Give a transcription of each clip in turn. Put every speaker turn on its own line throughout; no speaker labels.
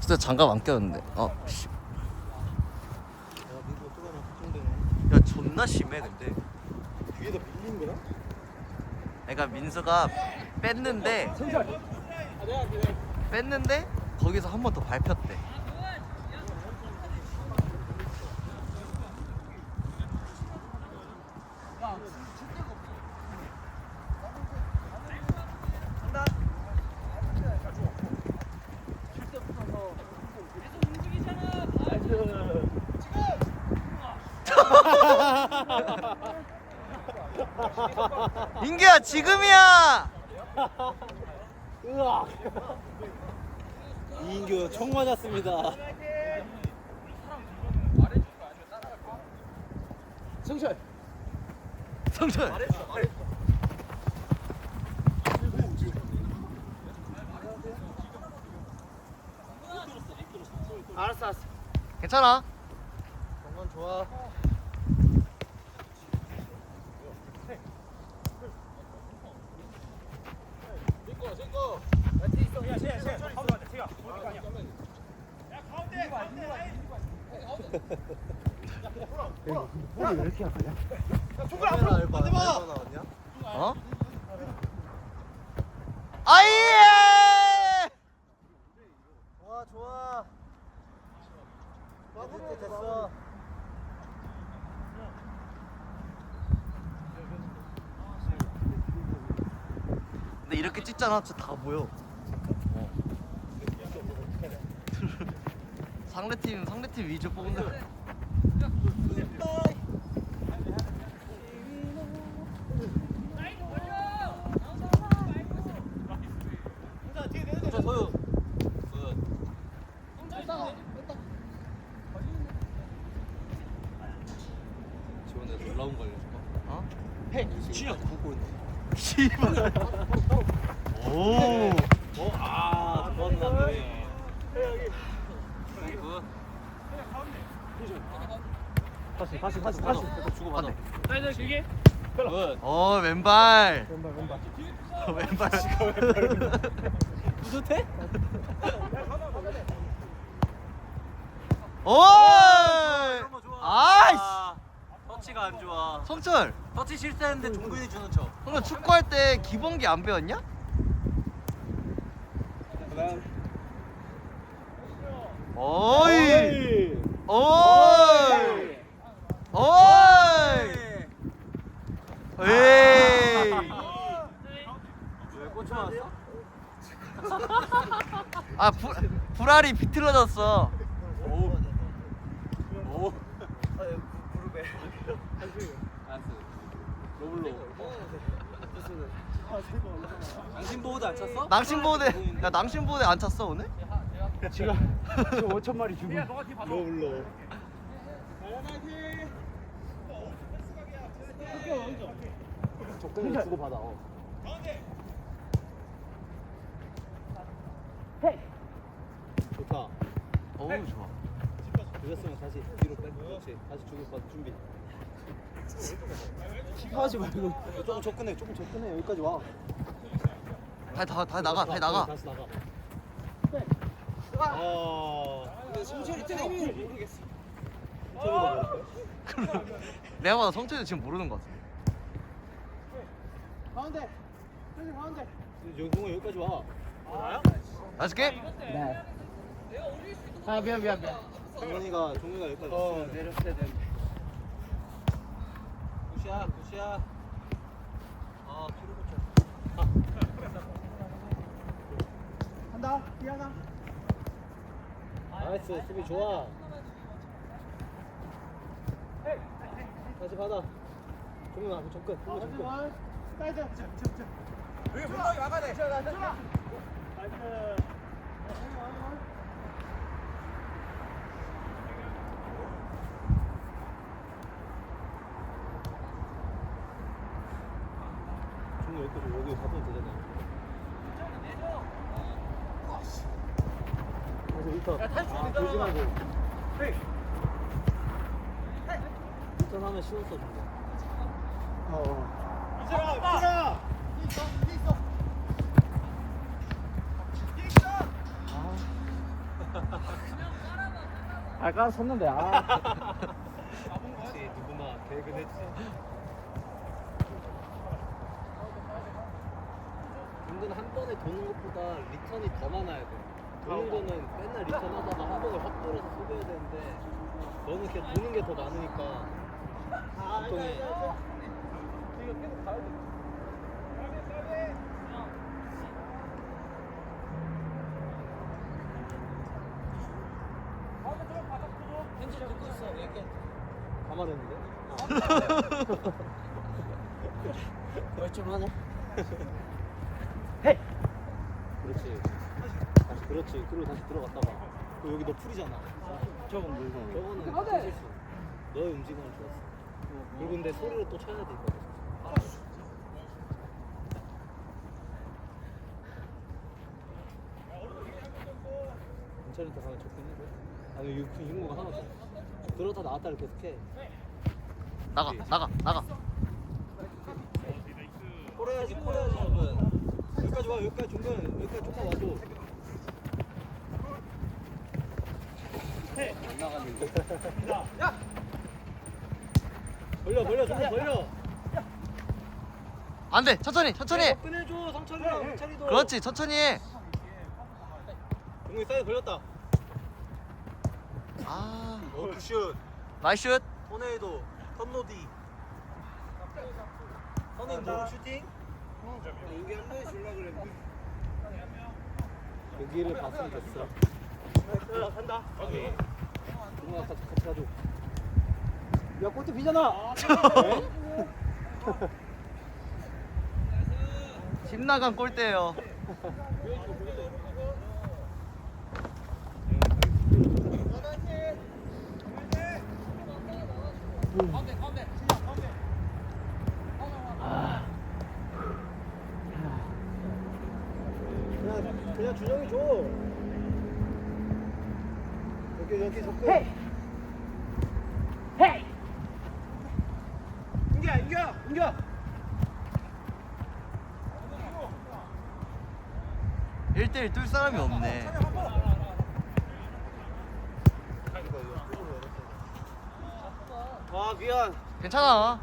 진짜 장갑 안 꼈는데. 씨.
야 민수가 또 가면 걱정되네.
야 존나 심해 근데.
뒤에다 밀린 거야?
그러니까 민수가 뺐는데 거기서 한 번 더 밟혔대. 인규야 지금이야.
으악. 이인규 총 맞았습니다. 성철. 알았어.
괜찮아.
정말 좋아. 왜 이렇게 아프냐? 총알 앞으로 나왔냐?
어? 아이예!
좋아. 됐어.
근데 이렇게 찍잖아, 진짜 다 보여. 상대팀 위주 뽑는다.
소유. 지원에 놀라운 걸려.
어?
진영 보고 있네.
씨발. 오.
좋았네. 다시 주고 받아.
사이드 길게.
왼발.
왼발.
왼발.
뿌듯해?
오! 아이씨.
터치가 안 좋아.
성철.
터치 실수했는데 종근이 주는 척.
성철 축구할 때 기본기 안 배웠냐? 어이. 어이. 어이. 에이.
왜 꽂혀 왔어?
아, 불알이 비틀어졌어.
오. 무릎에. 알았어. 로블로. 낭심보호대 안 찼어?
낭심보호대 안 찼어 오늘?
지금 5천마리 주고. 로블로. 적당히 주고 받아. 좋다.
어우 좋아.
늦었으면 다시 뒤로 빼. 그렇지. 다시 주고 받 준비. 하지 말고 조금 접근해. 여기까지 와.
다시 나가.
다시 나가. 근데 성철이 타이밍을 모르겠어.
내가 봐도 성철이 지금 모르는 것 같아.
가운데. 영동아 여기까지 와.
나이스 게임.
네. 아 미안.
종현이가 여기까지.
내렸어야 되는데.
굿이야. 뒤로 붙여.
한다. 미안하.
나이스 수비 좋아. 다시 받아. 종현아 접근.
사이드.
여기 분명히 막아야 돼.
나이스.
종현 여기 가면 되잖아. 다시 리턴. 돌지 말고. 리턴하면 신호 써준다.
이제라. 발가락 섰는데 아.
혹시 누구나 계획은 했지. 근데 한 번에 도는 것보다 리턴이 더 많아야 돼. 도는 거는 맨날 리턴하다가 한 번에 확 돌아서 쏘겨야 되는데 너는 그냥 도는 게 더 많으니까 보통에 가만했는데?
멀쩡하네.
그렇지. 다시 그렇지. 그리고 다시 들어갔다가 또 여기 너 풀이잖아.
저건 물건.
저거는 실수. 너의 움직임은 좋았어. 그리고 근데 소리로 또 쳐야 돼 이거. 아. 괜찮은데 가면 좋긴 해. 아니 유무가 하나 더. 들어다 나왔다를 계속해.
나가.
콜해야지 여러분. 여기까지 와 여기까지 중간 여기까지 조금 와도. 안 나갔는데. 야. 벌려 좀 벌려.
안돼, 천천히.
끝내줘 성철이랑 성철이도.
그렇지, 천천히 해.
동국이 사이드 걸렸다.
아,
굿슛.
나이스 슛.
토네이도 턴노디. 선인 노루 슈팅. 여기 한 번에 줄라 그랬는데. 여기를 봤으면 됐어. 간다. 동국아 같이 가줘. 야 골대 비잖아.
집 나간 골대예요.
그냥 준영이 줘. 여기 접근.
헤이.
인규야.
1대1 뚫 사람이 없네.
아 미안.
괜찮아.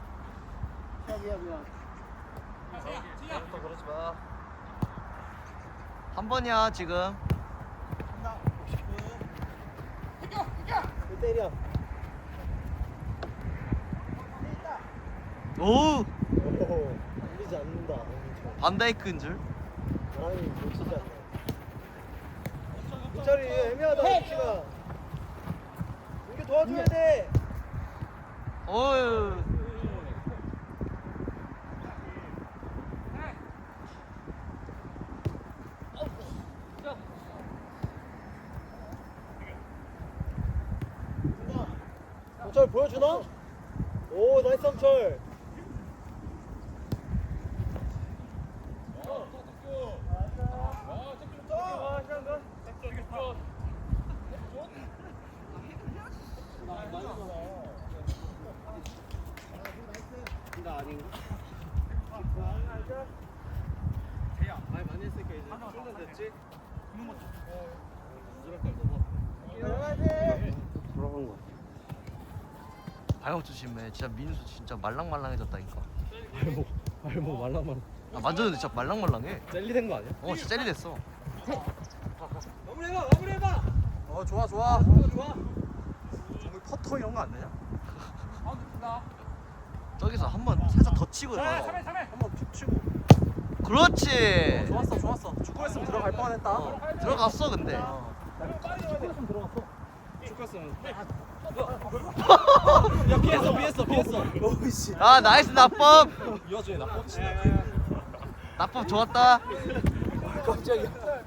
미안.
또 그러지 마.
한 번이야 지금.
때려.
오,
오, 밀리지 않는다.
반다이크인 줄.
바람이 놓치지 않네. 이철이 애매하다 위치가. 이게 도와줘야 돼.
어유.
성철 보여주나? 오 나이스 성철. 나 아닌가? 말 많이 했으니까 이제 충분됐지?
돌아간 거.
발목 조심해. 진짜 민수 진짜 말랑말랑해졌다니까.
발목 말랑말랑.
나 만졌는데 진짜 말랑말랑해.
젤리된 거 아니야?
진짜 젤리 됐어.
마무리해봐.
좋아.
좋아.
정말 퍼터 이런 거 안 되냐?
저기서 한번 살짝 더 치고 들어가.
한번 툭 치고.
그렇지.
좋았어. 축구했으면 들어갈 뻔했다.
들어갔어 근데.
축구했으면 들어갔어.
축구했으면.
야 피했어.
오이씨.
아 나이스 나법.
이어주에 나 뻗치.
나법 좋았다.
깜짝이야.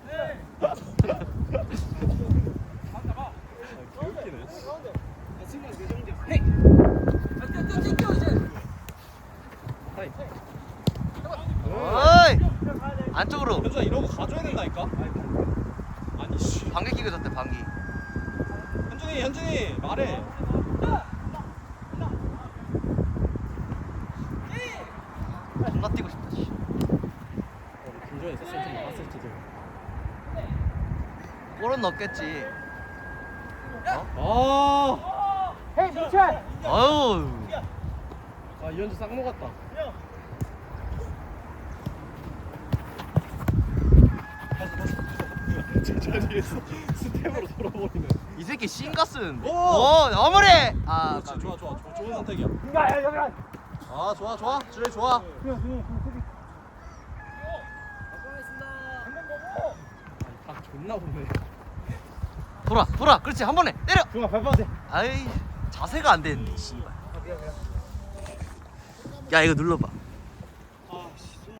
어이 안쪽으로.
현주야 이런 거 가져야 된다니까. 아니 씨.
방귀 끼고 졌대 방귀.
현준이 말해.
존나 뛰고 싶다 씨.
김주현 있었으면 좀 나갔을지도.
골은 넣겠지.
헤이 미철.
아유.
아 이현주 싹 먹었다.
제자리에서 스텝으로 돌아버리네.
이 새끼 싱가 쓰는데.
오!
마무리. 아,
그렇지, 좋아, 좋아, 좋은 선택이야.
야 여기.
아, 좋아, 좋아, 주혜 좋아.
아 존나 보네.
돌아. 그렇지, 한 번에 때려.
중아 발빠세.
아이, 자세가 안 되는데, 씨발. 야, 이거 눌러봐.